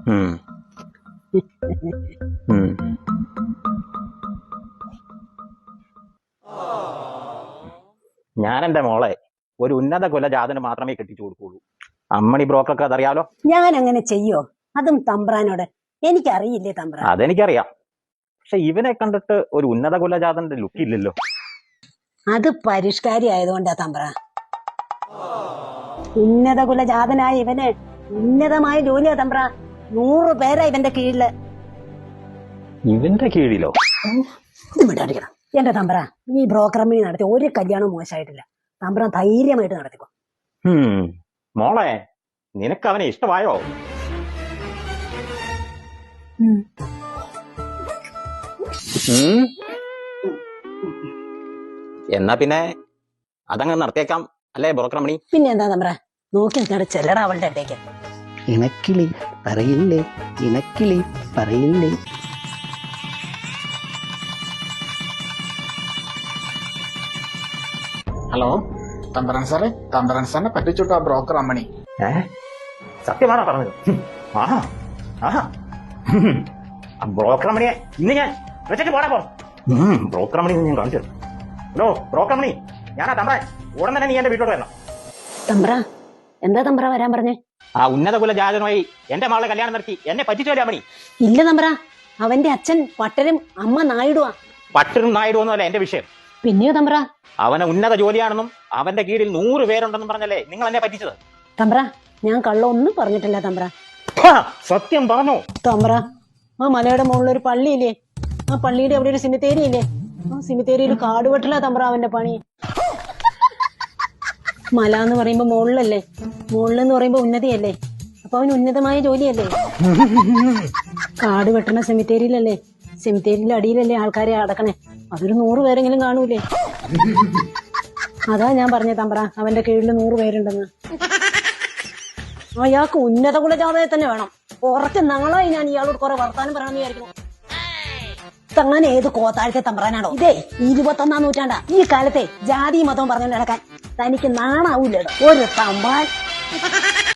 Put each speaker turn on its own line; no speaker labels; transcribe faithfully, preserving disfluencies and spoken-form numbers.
ഞാൻ എന്റെ മോളെ ഒരു ഉന്നത കുലജാതന് മാത്രമേ കെട്ടിച്ചു കൊടുക്കുള്ളൂ. അമ്മണി ബ്രോക്കർക്ക് അതറിയാലോ.
ഞാൻ അങ്ങനെ ചെയ്യോ? അതും തമ്പ്രാനോട് എനിക്കറിയില്ലേ തമ്പ്രാൻ?
അതെനിക്കറിയാം. പക്ഷെ ഇവനെ കണ്ടിട്ട് ഒരു ഉന്നത കുലജാതന്റെ ലുക്ക് ഇല്ലല്ലോ.
അത് പരിഷ്കാരി ആയതുകൊണ്ടാ തമ്പ്ര. ഉന്നത കുലജാതനായ ഇവന് ഉന്നതമായ ജോലിയാ തമ്പ്ര. നൂറ് പേരാ ഇവന്റെ കീഴില്.
ഇവന്റെ കീഴിലോ?
വിടാടിക്കണം എന്റെ തമ്പ്ര. ഈ ബ്രോക്കർ കമ്പനി നടത്തി ഒരു കല്യാണവും മോശമായിട്ടില്ല. തമ്പ്ര ധൈര്യമായിട്ട് നടത്തിക്കോ.
മോളെ, നിനക്ക് അവനെ ഇഷ്ടമായോ? എന്നാ പിന്നെ അതങ്ങ് നടത്തിയേക്കാം അല്ലേ ബ്രോക്കർ കമ്പനി?
പിന്നെ എന്താ തമ്പ്ര നോക്കി നിൽക്കാണ്ട് ചെല്ലട അവളുടെ അടുത്തേക്ക്.
ഇണക്കിളി പറയില്ലേ, ഇണക്കിളി പറയില്ലേ.
ഹലോ തമ്പ്രാൻ സാറേ, തമ്പ്രാൻ സാറിനെ പറ്റിച്ചുട്ടോ ആ ബ്രോക്കർ അമ്മണി.
ഏ സത്യമാണോ പറഞ്ഞത്? ആഹാ ആഹാ ബ്രോക്കർ മണിയെ ഇന്ന് ഞാൻ വെച്ചിട്ട് പോടാ പോ. ബ്രോക്കർ മണി ഞാൻ കാണിച്ചു. ഹലോ ബ്രോക്കർ മണി, ഞാനാ തമ്പ്രാൻ. ഉടൻ തന്നെ നീ എന്റെ വീട്ടിലോട്ട് വരണം.
തമ്പ്ര എന്താ തമ്പ്ര വരാൻ പറഞ്ഞേ?
ആ ഉന്നത കുലജാതനുമായി എന്റെ മകളെ കല്യാണം നടത്തി എന്നെ പറ്റിച്ചോലേ മണി.
ഇല്ല തമ്പ്ര, അവന്റെ അച്ഛൻ പട്ടരും അമ്മ നായിടുവാ.
പട്ടരും നായിടുവൊന്നും അല്ല എന്റെ വിഷയം.
പിന്നെയോ തമ്പ്ര?
അവന് ഉന്നത ജോലിയാണെന്നും അവന്റെ കീഴിൽ നൂറ് പേരുണ്ടെന്നും പറഞ്ഞല്ലേ നിങ്ങൾ എന്നെ പറ്റിച്ചത്.
തമ്പ്ര ഞാൻ കള്ളൊന്നും പറഞ്ഞിട്ടില്ല തമ്പ്ര.
സത്യം പറഞ്ഞോ?
തമ്പ്ര ആ മലയുടെ മുകളിൽ ഒരു പള്ളിയില്ലേ, ആ പള്ളിയുടെ അവിടെ ഒരു സിമിത്തേരി ഇല്ലേ, ആ സിമിത്തേരിയിൽ കാടുവെട്ടല തമ്പ്ര അവന്റെ പണി. മല എന്ന് പറയുമ്പോ മുകളിലല്ലേ, മുകളിലെന്ന് പറയുമ്പോ ഉന്നതിയല്ലേ, അപ്പൊ അവന് ഉന്നതമായ ജോലിയല്ലേ. കാട് വെട്ടണ സെമിത്തേരിയിലല്ലേ, സെമിത്തേരിയിലെ അടിയിലല്ലേ ആൾക്കാരെ അടക്കണേ. അതൊരു നൂറ് പേരെങ്കിലും കാണൂലേ. അതാ ഞാൻ പറഞ്ഞ തമ്പ്ര അവന്റെ കീഴിൽ നൂറ് പേരുണ്ടെന്ന്. അയാൾക്ക് ഉന്നത കുലജാതയെ തന്നെ വേണം. കുറച്ച് നാളായി ഞാൻ ഇയാളോട് കുറെ വർത്താനം പറയണമെന്ന് വിചാരിക്കുന്നു. തങ്ങാൻ ഏത് കോത്താഴത്തെ തമ്പ്രാനാണോ ഇതേ? ഇരുപത്തൊന്നാം നൂറ്റാണ്ടാ. ഈ കാലത്തെ ജാതി മതവും പറഞ്ഞുകൊണ്ട് നടക്കാൻ തനിക്ക് നാണാവൂല്ലോ ഒരു തമ്പാൻ.